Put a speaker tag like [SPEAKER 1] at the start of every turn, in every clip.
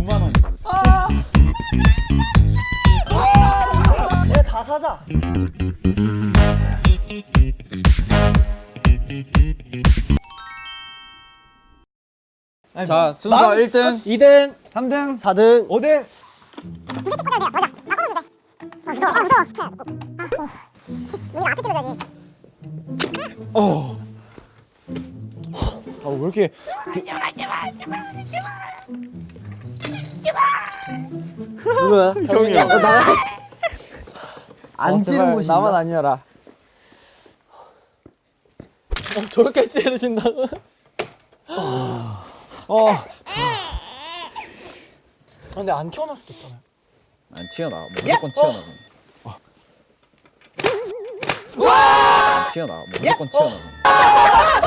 [SPEAKER 1] 5만 원.
[SPEAKER 2] 얘 다 사자.
[SPEAKER 3] 자, 순서 1등,
[SPEAKER 1] 2등,
[SPEAKER 3] 3등,
[SPEAKER 2] 4등.
[SPEAKER 1] 5등.
[SPEAKER 2] 아, 왜 이렇게 누구야?
[SPEAKER 1] 형이요.
[SPEAKER 2] 안 찌는 곳이
[SPEAKER 1] 나만
[SPEAKER 2] 있나?
[SPEAKER 1] 아니어라. 저렇게 찌르신다고? 근데 안 튀어나올 수도 있잖아요.
[SPEAKER 3] 안 튀어나와. 무조건 튀어나와. 안 튀어나와. 무조건 튀어나와.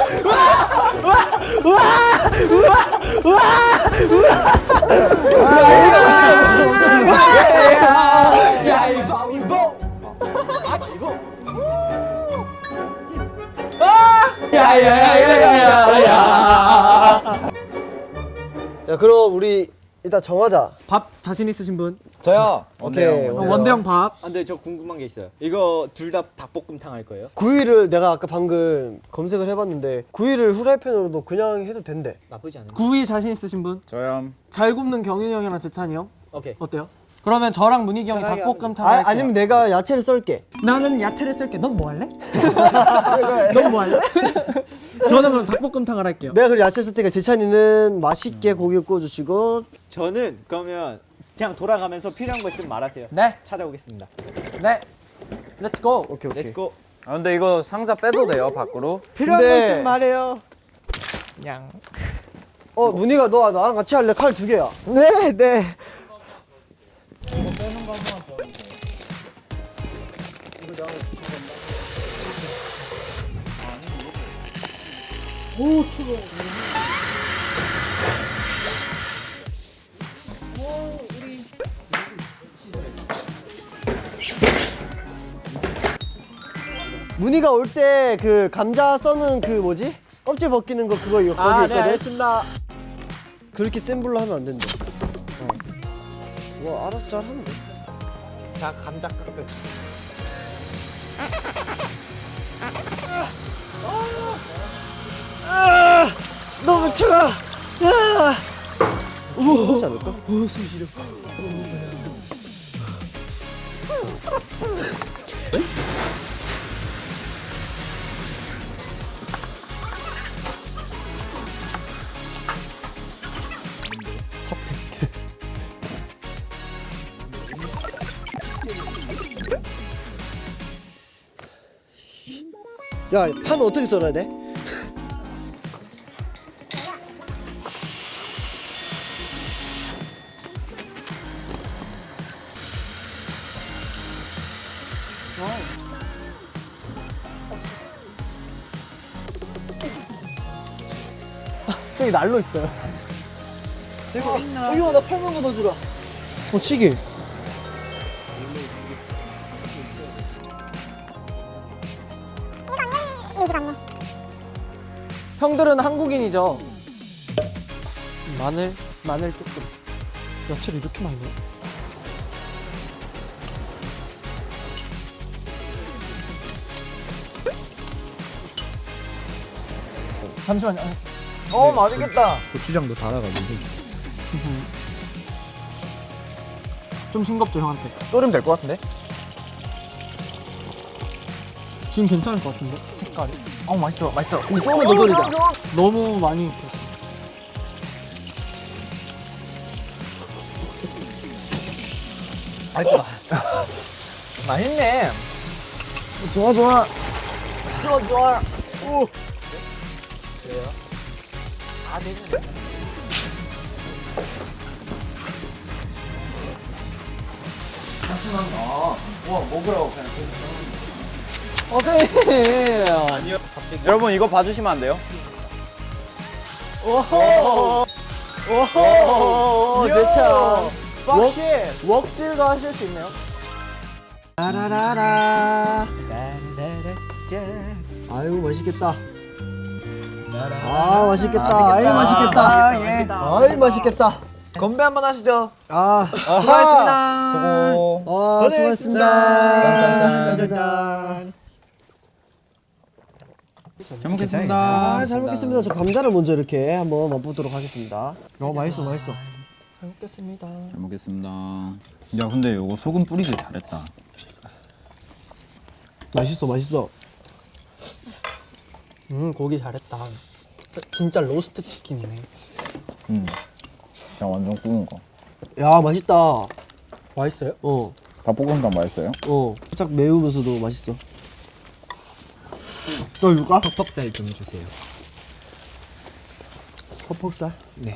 [SPEAKER 2] 야, 그럼 우리 일단 정하자.
[SPEAKER 1] 밥 자신 있으신 분?
[SPEAKER 3] 저요.
[SPEAKER 2] 오케이.
[SPEAKER 1] 원대형 밥.
[SPEAKER 4] 근데 저 궁금한 게 있어요. 이거 둘 다 닭볶음탕 할 거예요?
[SPEAKER 2] 구이를 내가 아까 방금 검색을 해봤는데 구이를 후라이팬으로도 그냥 해도 된대.
[SPEAKER 4] 나쁘지 않은데.
[SPEAKER 1] 구이 자신 있으신 분?
[SPEAKER 3] 저요.
[SPEAKER 1] 잘 굽는 경윤이 형이랑 재찬이 형?
[SPEAKER 4] 오케이.
[SPEAKER 1] 어때요? 그러면 저랑 문익이 형이
[SPEAKER 4] 편하게
[SPEAKER 1] 닭볶음탕 할게요.
[SPEAKER 2] 아니면 내가 야채를 썰게.
[SPEAKER 1] 나는 야채를 쓸게. 넌 뭐 할래? 넌 뭐 할래? 저는 그럼 닭볶음탕을 할게요.
[SPEAKER 2] 내가 그 야채 쓸 테니까 재찬이는 맛있게 고기 구워주시고.
[SPEAKER 4] 저는 그러면 그냥 돌아가면서 필요한 거 있으면 말하세요.
[SPEAKER 1] 네,
[SPEAKER 4] 찾아오겠습니다.
[SPEAKER 1] 네. 렛츠 고.
[SPEAKER 2] 오케이.
[SPEAKER 4] 렛츠고.
[SPEAKER 3] 아, 근데 이거 상자 빼도 돼요, 밖으로?
[SPEAKER 4] 필요한 거
[SPEAKER 2] 근데-
[SPEAKER 4] 있으면 말해요.
[SPEAKER 1] 그냥.
[SPEAKER 2] 문희가 너 나랑 같이 할래? 칼 2개야.
[SPEAKER 4] 네, 네.
[SPEAKER 2] 문희가 올 때 그 감자 써는 그 뭐지? 껍질 벗기는 거 그거 이거 거기
[SPEAKER 4] 아, 네,
[SPEAKER 2] 있거든.
[SPEAKER 4] 알겠습니다.
[SPEAKER 2] 그렇게 센 불로 하면 안 된대. 와, 알았어, 잘 하면 돼.
[SPEAKER 4] 자, 감자 깎을.
[SPEAKER 2] 너무 차가. 우와, 하지 않을까? 숨 쉬려. 야, 판 어떻게 썰어야 돼?
[SPEAKER 1] 저기 난로 있어요.
[SPEAKER 2] 저기요, 나 팔만 걷어주라.
[SPEAKER 1] 치기. 형들은 한국인이죠. 마늘 조금. 야채를 이렇게 많이 넣어? 잠시만요.
[SPEAKER 4] 맛있겠다.
[SPEAKER 1] 고추장도 달아가지고. 좀 싱겁죠 형한테.
[SPEAKER 4] 졸이면 될 것 같은데?
[SPEAKER 1] 지금 괜찮을 것 같은데 색깔이.
[SPEAKER 4] 맛있어, 맛있어.
[SPEAKER 2] 근데 조금만 더 졸이자.
[SPEAKER 1] 너무 많이 익혔어.
[SPEAKER 4] 맛있다. 맛있네.
[SPEAKER 2] 좋아, 좋아.
[SPEAKER 4] 좋아.
[SPEAKER 2] 오.
[SPEAKER 4] 아, 되네.
[SPEAKER 3] 여러분, 이거 봐주시면 안 돼요?
[SPEAKER 2] 오, 재차.
[SPEAKER 1] 웍질도 하실 수 있네요.
[SPEAKER 2] 라라라라. 아이고, 맛있겠다. 아, 맛있겠다. 아이, 맛있겠다. 아이, 맛있겠다.
[SPEAKER 5] 건배 한번 하시죠.
[SPEAKER 2] 수고하셨습니다.
[SPEAKER 3] 수고.
[SPEAKER 2] 수고하셨습니다.
[SPEAKER 4] 짠짠짠.
[SPEAKER 3] 잘 먹겠습니다.
[SPEAKER 2] 잘 먹겠습니다. 저 감자를 먼저 이렇게 한번 맛보도록 하겠습니다. 맛있어.
[SPEAKER 1] 잘 먹겠습니다.
[SPEAKER 3] 잘 먹겠습니다. 야 근데 이거 소금 뿌리길 잘했다.
[SPEAKER 2] 맛있어.
[SPEAKER 1] 고기 잘했다. 진짜 로스트 치킨이네.
[SPEAKER 3] 그냥 완전 구운 거.
[SPEAKER 2] 야, 맛있다.
[SPEAKER 1] 맛있어요?
[SPEAKER 3] 닭볶음탕 맛있어요?
[SPEAKER 2] 살짝 매우면서도 맛있어. 너 줄까?
[SPEAKER 5] 퍽퍽살 좀 주세요.
[SPEAKER 2] 퍽퍽살?
[SPEAKER 5] 네.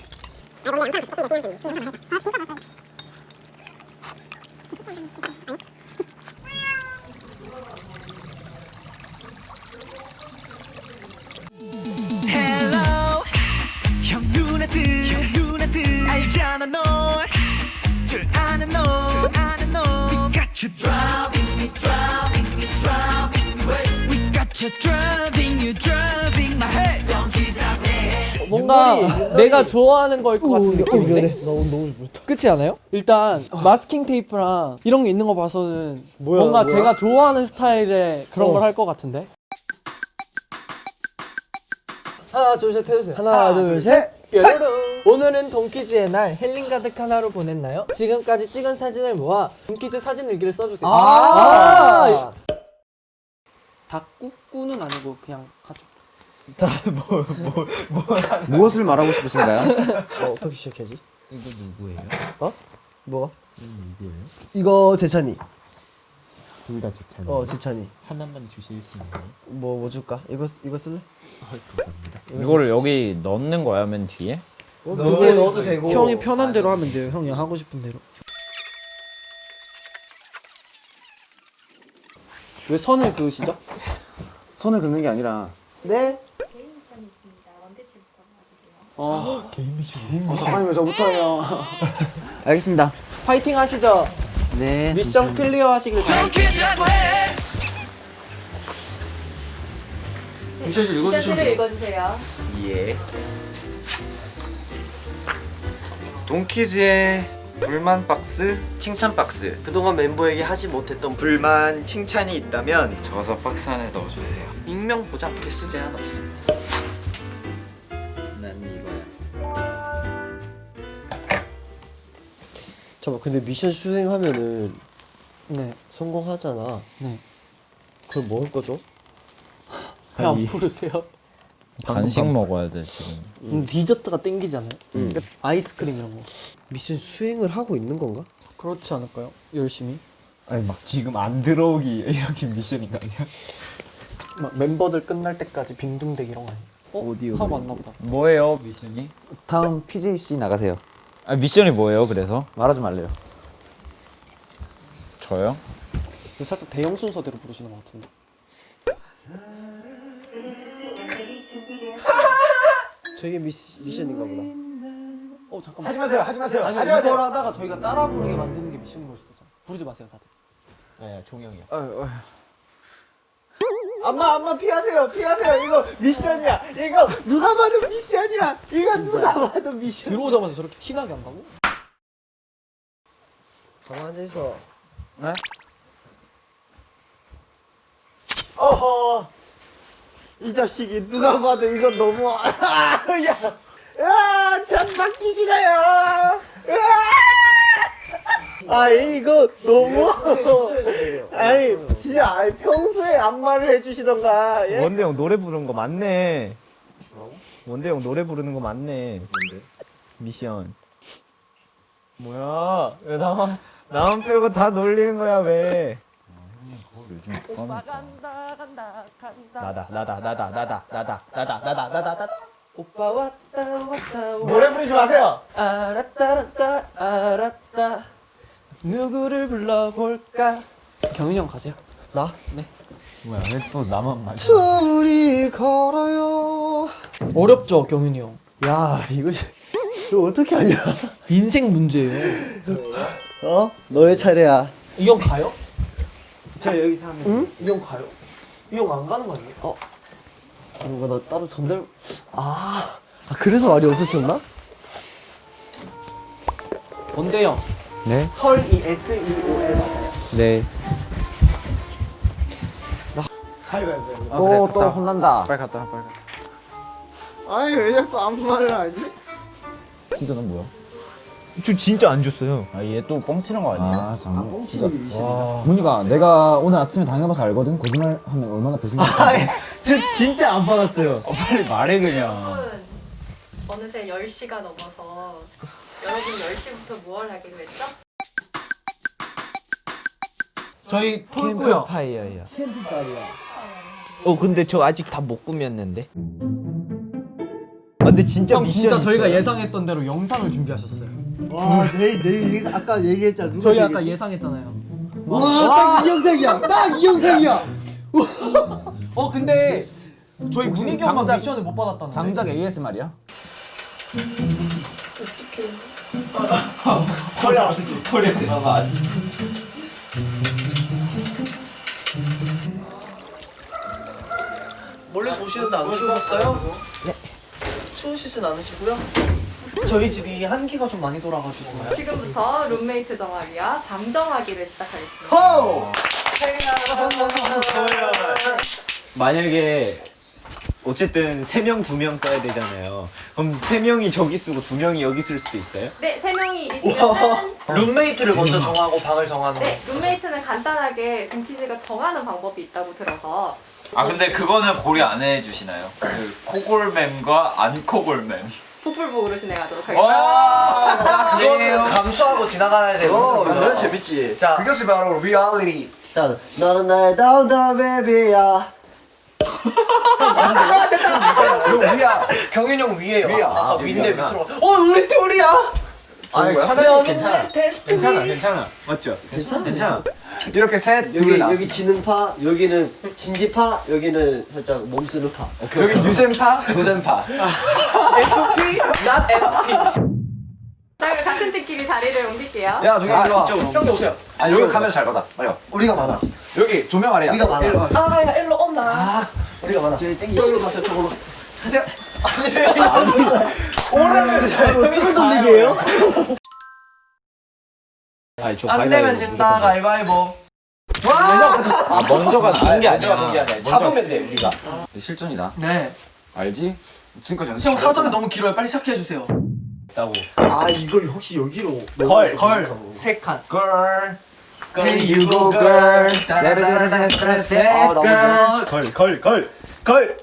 [SPEAKER 6] 형 누나들 알잖아 널줄 아는 놈 We got you driving me We got you driving my head
[SPEAKER 1] 뭔가 내가 좋아하는 거일 것 같은 느낌인데?
[SPEAKER 2] 미안해. 나 오늘 너무 불렀다.
[SPEAKER 1] 그렇지 않아요? 일단 마스킹 테이프랑 이런 게 있는 거 봐서는 뭔가 제가 좋아하는 스타일의 그런 걸 할 것 같은데? 하나 둘 셋 해주세요.
[SPEAKER 2] 하나, 둘, 셋.
[SPEAKER 1] 뾰로롱. 오늘은 돈키즈의 날 힐링 가득 하나로 보냈나요? 지금까지 찍은 사진을 모아 돈키즈 사진 일기를 써주세요. 닭꾸꾸는 아니고 그냥 하죠.
[SPEAKER 3] 무엇을 말하고 싶으신가요?
[SPEAKER 2] 어떻게 시작해야지?
[SPEAKER 5] 이거 누구예요?
[SPEAKER 2] 뭐가?
[SPEAKER 5] 누구예요?
[SPEAKER 2] 이거 재찬이.
[SPEAKER 5] 둘 다 제찬이.
[SPEAKER 2] 재찬이.
[SPEAKER 5] 하나만 주실 수 있나요?
[SPEAKER 2] 뭐 줄까? 이거 쓸래?
[SPEAKER 5] 감사합니다.
[SPEAKER 3] 이거를 여기 넣는 거야 맨 뒤에?
[SPEAKER 2] 그게 넣어도 되고.
[SPEAKER 1] 형이 편한 대로 하면 돼요. 형이 하고 싶은 대로. 왜 선을 그으시죠?
[SPEAKER 3] 손을 긋는 게 아니라
[SPEAKER 2] 네.
[SPEAKER 7] 개인 미션이 있습니다. 원대 씨부터 와주세요.
[SPEAKER 5] 개인 미션.
[SPEAKER 3] 잠깐만요 저부터요. 알겠습니다.
[SPEAKER 1] 파이팅 하시죠.
[SPEAKER 3] 네.
[SPEAKER 1] 미션 클리어 하시길 바랍니다.
[SPEAKER 6] 돈키즈라고 해
[SPEAKER 7] 미션을 읽어주세요.
[SPEAKER 8] 예. 돈키즈의 불만 박스, 칭찬 박스.
[SPEAKER 2] 그동안 멤버에게 하지 못했던
[SPEAKER 8] 불만 칭찬이 있다면
[SPEAKER 3] 적어서 박스 안에 넣어주세요.
[SPEAKER 1] 익명 보장 개수 제한 없음.
[SPEAKER 8] 난 이거야.
[SPEAKER 2] 잠깐 근데 미션 수행하면은
[SPEAKER 1] 네.
[SPEAKER 2] 성공하잖아.
[SPEAKER 1] 네.
[SPEAKER 2] 그럼 먹을 거죠?
[SPEAKER 1] 배 안 부르세요?
[SPEAKER 3] 간식 먹어야 돼 지금.
[SPEAKER 1] 디저트가 땡기잖아요. 아이스크림 이런 거.
[SPEAKER 2] 미션 수행을 하고 있는 건가?
[SPEAKER 1] 그렇지 않을까요? 열심히.
[SPEAKER 5] 아니 막 지금 안 들어오기 이렇게 미션인가 아니야?
[SPEAKER 1] 막 멤버들 끝날 때까지 빈둥대기 이런 거 아니에요?
[SPEAKER 5] 오디오
[SPEAKER 1] 하고 왔나 보다.
[SPEAKER 3] 뭐예요 미션이?
[SPEAKER 8] 다음 PJC 나가세요.
[SPEAKER 3] 아 미션이 뭐예요 그래서?
[SPEAKER 8] 말하지 말래요.
[SPEAKER 3] 저요?
[SPEAKER 1] 살짝 대형 순서대로 부르시는 것 같은데.
[SPEAKER 2] 저게 미션인가 보다.
[SPEAKER 1] 잠깐만.
[SPEAKER 4] 하지 마세요.
[SPEAKER 1] 아니요 이걸 하다가 저희가 따라 부르게 만드는 게 미션인 걸 수도 있잖아. 부르지 마세요 다들.
[SPEAKER 5] 아야 종영이야.
[SPEAKER 4] 엄마 피하세요. 이거 미션이야. 이거 누가 봐도 미션이야. 이거 누가 봐도 미션.
[SPEAKER 1] 들어오자마자 저렇게 티나게 한다고?
[SPEAKER 2] 가만 앉아 있어.
[SPEAKER 3] 네?
[SPEAKER 4] 어허. 이 자식이 누가 봐도 이거 너무 전 받기 싫어요. 이거 너무 진짜 평소에 안마를 해주시던가. 예?
[SPEAKER 5] 원대 형 노래 부르는 거 맞네. 원대 형 노래 부르는 거 맞네. 뭔데? 미션. 뭐야? 왜 나만 빼고 다 놀리는 거야 왜?
[SPEAKER 3] 요즘 누가
[SPEAKER 1] 간다.
[SPEAKER 5] 나다.
[SPEAKER 1] 오빠 왔다.
[SPEAKER 4] 노래 부르지 마세요.
[SPEAKER 1] 알았다. 누구를 불러볼까? 경윤이 형 가세요.
[SPEAKER 2] 나?
[SPEAKER 5] 뭐야 왜 또 나만 맞아?
[SPEAKER 2] 둘이 걸어요.
[SPEAKER 1] 어렵죠 경윤이 형.
[SPEAKER 2] 야 이거 어떻게 하냐?
[SPEAKER 1] 인생 문제예요.
[SPEAKER 2] 너의 차례야.
[SPEAKER 1] 이 형 가요?
[SPEAKER 4] 저 여기서 하면.
[SPEAKER 2] 응?
[SPEAKER 1] 이 형 가요? 이 형 안 가는 거 아니에요?
[SPEAKER 2] 뭔가 나 따로 전달. 그래서 말이 없었었나?
[SPEAKER 1] 원대형.
[SPEAKER 8] 네.
[SPEAKER 1] 설이 SEOL 맞아요.
[SPEAKER 8] 네. 또 혼난다.
[SPEAKER 3] 빨리 갔다 빨리 갔다.
[SPEAKER 5] 아니 왜 자꾸 아무 말을 하지?
[SPEAKER 8] 진짜 넌 뭐야?
[SPEAKER 5] 저 진짜 안 줬어요.
[SPEAKER 3] 아 얘 또 뻥치는 거 아니에요?
[SPEAKER 8] 아 참.
[SPEAKER 2] 뻥치는 게 미션이다.
[SPEAKER 8] 문희가 내가 오늘 아침에 당해봐서 알거든. 거짓말 하면 얼마나 배신감이.
[SPEAKER 5] 저 진짜 안 받았어요.
[SPEAKER 3] 빨리 말해 그냥.
[SPEAKER 7] 여러분, 어느새 10시가 넘어서 여러분 10시부터 무얼 하기로 했죠?
[SPEAKER 1] 저희 톨고요.
[SPEAKER 5] 캠프파이어야. 근데 저 아직 다 못 꾸몄는데. 근데 진짜
[SPEAKER 1] 형
[SPEAKER 5] 미션
[SPEAKER 1] 진짜 저희가
[SPEAKER 5] 있어요.
[SPEAKER 1] 예상했던 대로 영상을 준비하셨어요.
[SPEAKER 2] 와, 내일 아까 얘기했잖아. 누가
[SPEAKER 1] 저희 아까
[SPEAKER 2] 얘기했지?
[SPEAKER 1] 예상했잖아요.
[SPEAKER 2] 와, 딱 이 영상이야. 딱 이 영상이야.
[SPEAKER 1] 근데 저희 문희기 형만
[SPEAKER 8] 장작-
[SPEAKER 1] 미션을 못 받았다는데.
[SPEAKER 8] 장작 ASMR이야?
[SPEAKER 1] 멀리서 오시는데 안 추우셨어요? 네. 추우시진 않으시고요? 저희 집이 한기가 좀 많이 돌아가지고.
[SPEAKER 7] 지금부터 룸메이트 정하기와 밤 정하기를 시작하겠습니다.
[SPEAKER 2] 호!
[SPEAKER 5] 만약에 어쨌든 3명 2명 써야 되잖아요. 그럼 3명이 저기 쓰고 2명이 여기 쓸 수도 있어요?
[SPEAKER 7] 네, 3명이 있으면은
[SPEAKER 1] 룸메이트를 먼저 정하고 방을 정하는
[SPEAKER 7] 네, 룸메이트는 간단하게 둠피즈가 정하는 방법이 있다고 들어서
[SPEAKER 9] 아 근데 그거는 고려 안 해주시나요? 그 코골맴과 안 코골맴.
[SPEAKER 7] 풋불복으로 진행하도록 하겠습니다.
[SPEAKER 9] 와
[SPEAKER 1] 그것은 감수하고 지나가야 되고.
[SPEAKER 2] 그래 재밌지.
[SPEAKER 1] 자,
[SPEAKER 2] 그것이 바로 리얼리티. 자, 너는 나의 다운다운 베이비야.
[SPEAKER 1] 형 위야. 경윤 형 위에요.
[SPEAKER 2] 위야.
[SPEAKER 1] 아까
[SPEAKER 2] 아,
[SPEAKER 1] 위인데
[SPEAKER 2] 위구나.
[SPEAKER 1] 밑으로. 우리 둘이야.
[SPEAKER 5] 아니 차라리 괜찮아. 괜찮아. 맞죠? 괜찮아.
[SPEAKER 9] 이렇게 셋
[SPEAKER 2] 여기 지능파, 여기는 진지파, 여기는 살짝 몸 쓰는 파.
[SPEAKER 9] 여기 유센파 노센파.
[SPEAKER 1] FP, not FP.
[SPEAKER 7] 자, 그럼 같은 팀끼리 자리를 옮길게요.
[SPEAKER 9] 야 저기 일로 와.
[SPEAKER 1] 형님 오세요.
[SPEAKER 9] 아 여기 카메라 잘 받아. 빨리 와.
[SPEAKER 2] 우리가 많아.
[SPEAKER 9] 여기 조명 아래야.
[SPEAKER 2] 우리가 많아.
[SPEAKER 1] 야, 일로 온나.
[SPEAKER 2] 우리가 많아.
[SPEAKER 1] 저기 땡기시죠. 가세요, 저걸로. 가세요.
[SPEAKER 2] 이거 쓰는 돈들이에요?
[SPEAKER 1] 안 되면 진다, 가위바위보.
[SPEAKER 8] 아 먼저가 좋은 게 아니야.
[SPEAKER 9] 잡으면 돼 우리가.
[SPEAKER 3] 실전이다.
[SPEAKER 1] 네.
[SPEAKER 3] 알지? 지금까지 연습.
[SPEAKER 1] 형 사전이 너무 길어요. 빨리 시작해주세요.
[SPEAKER 2] 아, 이거 혹시 여기로.
[SPEAKER 1] 걸. 3칸.
[SPEAKER 9] Girl.
[SPEAKER 1] Here you go, girl.
[SPEAKER 2] 아, 나 먼저.
[SPEAKER 5] 걸.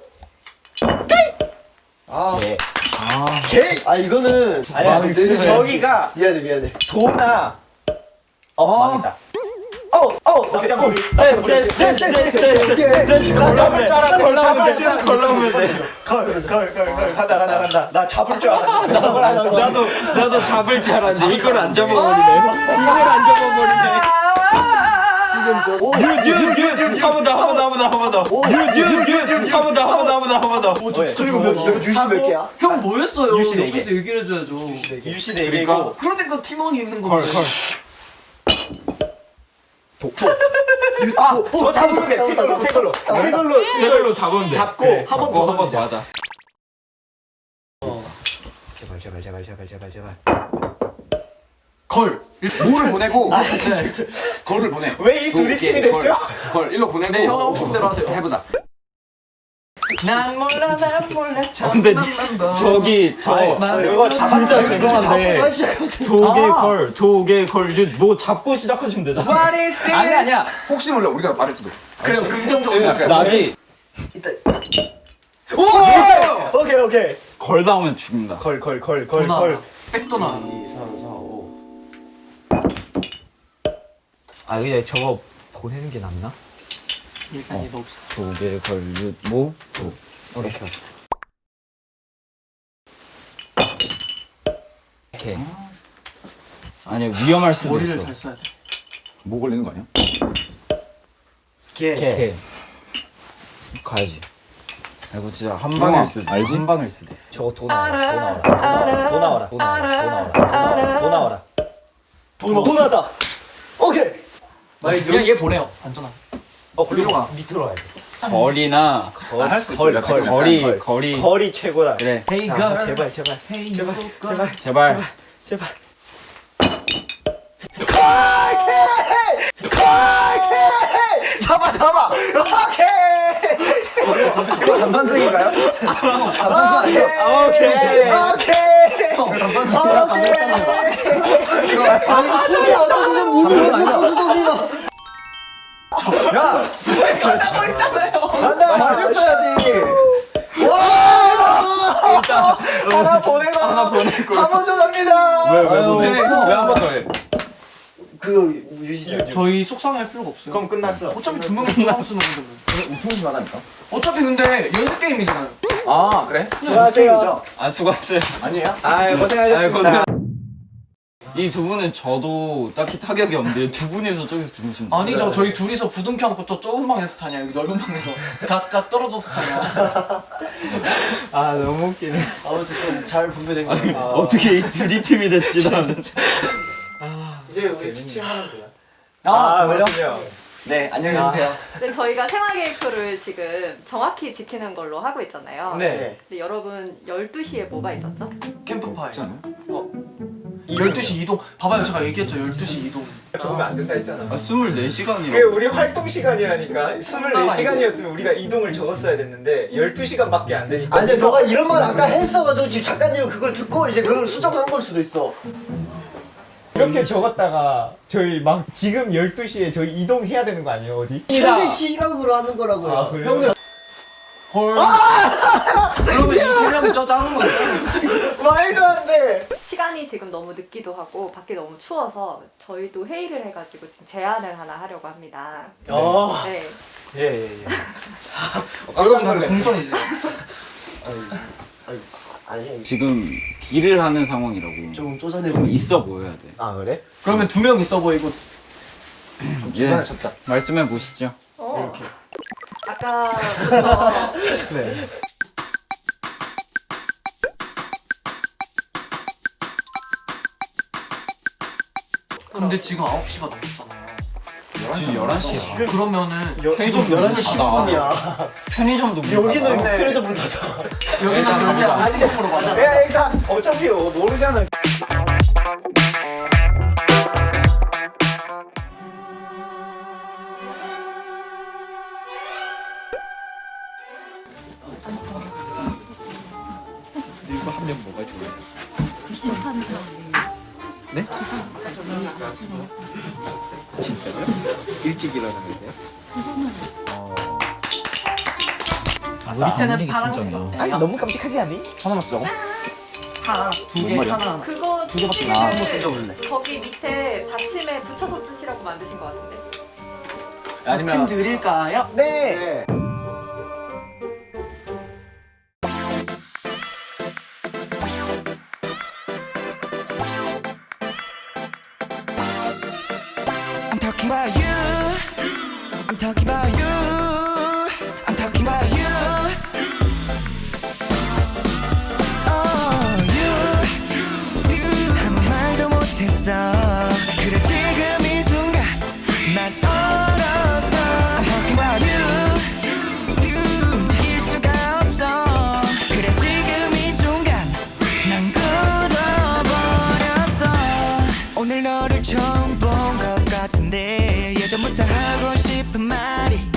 [SPEAKER 2] 아,
[SPEAKER 5] 네.
[SPEAKER 2] 개! 아, 이거는.
[SPEAKER 5] 아니야.
[SPEAKER 2] 근데
[SPEAKER 5] 저기가
[SPEAKER 2] 미안해.
[SPEAKER 5] 도나. 망했다. 낙장놀이. 걸러오면 돼. 걸. 간다. 나 잡을 줄 알았는데. 나도 잡을 줄 알았는데. 이걸 안 잡아버리네.
[SPEAKER 9] 한번 더.
[SPEAKER 2] 저 이거 유시 몇 개야?
[SPEAKER 1] 형 뭐였어요?
[SPEAKER 5] 유시 네 개.
[SPEAKER 1] 옆에서 얘기를 해줘야죠.
[SPEAKER 5] 유시 4개고.
[SPEAKER 1] 그러니까 팀원이 있는 건데.
[SPEAKER 5] 저 잡으면 돼. 새 걸로 잡으면 돼. 잡고 한 번 더 하자. 제발.
[SPEAKER 1] 걸.
[SPEAKER 3] 뭐를 보내고 걸을 보내.
[SPEAKER 5] 왜 이 둘이 팀이 됐죠?
[SPEAKER 3] 걸 일로 보내고.
[SPEAKER 1] 네, 형 하고 싶은 대로 하세요.
[SPEAKER 3] 해보자.
[SPEAKER 1] 난 몰라
[SPEAKER 5] 근데 저기 이거 진짜 죄송한데 도개 걸 뭐 잡고 시작하시면 되잖아.
[SPEAKER 1] What is this?
[SPEAKER 3] 아니야. 혹시 몰라 우리가 말할지도.
[SPEAKER 1] 그래요, 긍정적으로.
[SPEAKER 3] 나지.
[SPEAKER 5] 오케이.
[SPEAKER 3] 걸 나오면 죽는다.
[SPEAKER 5] 걸.
[SPEAKER 1] 백도나.
[SPEAKER 2] 2, 3, 4, 5.
[SPEAKER 5] 아 그냥 저거 보내는 게 낫나?
[SPEAKER 1] 일산이 너 없어.
[SPEAKER 8] 도개 걸윷 모 도. 이렇게 하자.
[SPEAKER 3] 이렇게. 아니야 위험할 수도
[SPEAKER 1] 머리를
[SPEAKER 3] 있어.
[SPEAKER 1] 잘 써야 돼.
[SPEAKER 3] 뭐 걸리는 거 아니야?
[SPEAKER 8] 개. 가야지.
[SPEAKER 3] 이거 진짜 한 방일 수도 있어.
[SPEAKER 8] 알지?
[SPEAKER 3] 한 방일 수도 있어.
[SPEAKER 5] 저거 도 나와라. 도 나왔다. 오케이.
[SPEAKER 1] 그냥 얘 보내요. 안전한.
[SPEAKER 5] 그리고 밑으로 가야 돼.
[SPEAKER 3] 거리나 할 수도 있어. 거리.
[SPEAKER 5] 거리 최고다.
[SPEAKER 3] 그래.
[SPEAKER 1] Hey
[SPEAKER 5] 자,
[SPEAKER 1] girl.
[SPEAKER 5] 제발.
[SPEAKER 1] Hey you girl.
[SPEAKER 3] 제발.
[SPEAKER 4] 잡아. 오케이.
[SPEAKER 2] 이거 단판승인가요?
[SPEAKER 4] 오케이.
[SPEAKER 2] 아니 소리야 어쩌면 문이 무슨
[SPEAKER 4] 간다. 말렸어야지. 하나 보내고 한 번 더 갑니다.
[SPEAKER 5] 왜한 번 더 해?
[SPEAKER 2] 그 유시죠.
[SPEAKER 1] 저희 속상할 필요가 없어요.
[SPEAKER 4] 그럼 끝났어.
[SPEAKER 1] 어차피 두 명이 싸움 쓰는 건데 뭐.
[SPEAKER 8] 우승팀 하나니까.
[SPEAKER 1] 어차피 근데 연습 게임이잖아요.
[SPEAKER 8] 아 그래?
[SPEAKER 4] 수고하세요.
[SPEAKER 9] 아 수고하세요.
[SPEAKER 8] 아니에요?
[SPEAKER 4] 아유 고생하셨습니다.
[SPEAKER 9] 이 두 분은 저도 딱히 타격이 없는데 두 분이서 저기서 주무시는 거예요?
[SPEAKER 1] 아니죠. 저희 둘이서 부둥켜 안고 저 좁은 방에서 자냐. 여기 넓은 방에서 각각 떨어져서 자냐.
[SPEAKER 4] 아 너무 웃기네.
[SPEAKER 2] 아무튼 좀 잘 분배된 거.
[SPEAKER 9] 어떻게 이 둘이 팀이 됐지 나는.
[SPEAKER 4] 이제 우리 취침하면 돼요.
[SPEAKER 1] 정말요?
[SPEAKER 4] 그렇군요.
[SPEAKER 1] 네, 안녕히 계세요.
[SPEAKER 7] 네, 저희가 생활계획표를 지금 정확히 지키는 걸로 하고 있잖아요.
[SPEAKER 1] 네.
[SPEAKER 7] 근데 여러분 12시에 뭐가 있었죠?
[SPEAKER 1] 캠프파이. 12시 이동. 봐봐요. 제가 얘기했죠. 12시 이동.
[SPEAKER 4] 적으면 안 된다 했잖아.
[SPEAKER 9] 아 24시간이라고.
[SPEAKER 4] 그게 우리 활동 시간이라니까. 24시간이었으면 우리가 이동을 적었어야 됐는데 12시간밖에 안 되니까.
[SPEAKER 2] 아니 너가 이런 말 아까 했어가지고 지금 작가님은 그걸 듣고 이제 그걸 수정한 걸 수도 있어.
[SPEAKER 4] 이렇게 적었다가 저희 막 지금 12시에 저희 이동해야 되는 거 아니에요 어디?
[SPEAKER 2] 현재 지각으로 하는 거라고요.
[SPEAKER 4] 아 그래요?
[SPEAKER 1] 헐. 그러면 이세 명이 저 작은 거죠.
[SPEAKER 4] 말도 안 돼!
[SPEAKER 7] 시간이 지금 너무 늦기도 하고 밖이 너무 추워서 저희도 회의를 해가지고 지금 제안을 하나 하려고 합니다. 네.
[SPEAKER 4] 예예예.
[SPEAKER 1] 여러분 다 공손이세요.
[SPEAKER 2] 아니
[SPEAKER 9] 지금 딜을 하는 상황이라고.
[SPEAKER 2] 좀 쪼잔해
[SPEAKER 9] 있어 보여야 돼.
[SPEAKER 2] 아 그래?
[SPEAKER 1] 그러면 두 명 있어 보이고.
[SPEAKER 9] 예. 말씀해 보시죠.
[SPEAKER 7] 이렇게. 아까부터
[SPEAKER 4] 네.
[SPEAKER 1] 근데 지금 9시가 넘었잖아요.
[SPEAKER 9] 지금 11시야.
[SPEAKER 1] 그러면은
[SPEAKER 9] 편의점
[SPEAKER 2] 11시 10분이야.
[SPEAKER 9] 편의점도 문
[SPEAKER 2] 여기는
[SPEAKER 9] 닫아.
[SPEAKER 2] 편의점 문 닫아.
[SPEAKER 1] 여기서 결제 안 하는 받아.
[SPEAKER 4] 야 일단 어차피 모르잖아.
[SPEAKER 5] 이거 하면 뭐가 좋아요? 네? 진짜요? 일찍 일어나는데?
[SPEAKER 1] 밑에는 파란.
[SPEAKER 4] 아니 너무 깜찍하지 않니?
[SPEAKER 8] 하나만 쓰자고?
[SPEAKER 1] 하나, 두 개, 하나.
[SPEAKER 7] 그거
[SPEAKER 1] 두 개밖에
[SPEAKER 7] 지금
[SPEAKER 1] 한번 뜯어볼래.
[SPEAKER 7] 거기 밑에 받침에 붙여서 쓰시라고 만드신 것 같은데.
[SPEAKER 1] 아침 드릴까요?
[SPEAKER 4] 네.
[SPEAKER 6] I'm talking about you. I'm talking about you. I'm talking about you. Oh, you. 아무 말도 못했어. 그래 지금 이 순간 난 얼었어. I'm talking about you. 움직일 수가 없어. 그래 지금 이 순간 난 굳어버렸어. 오늘 너를 처음 본 것 같은데 예전부터 하고 싶은 말이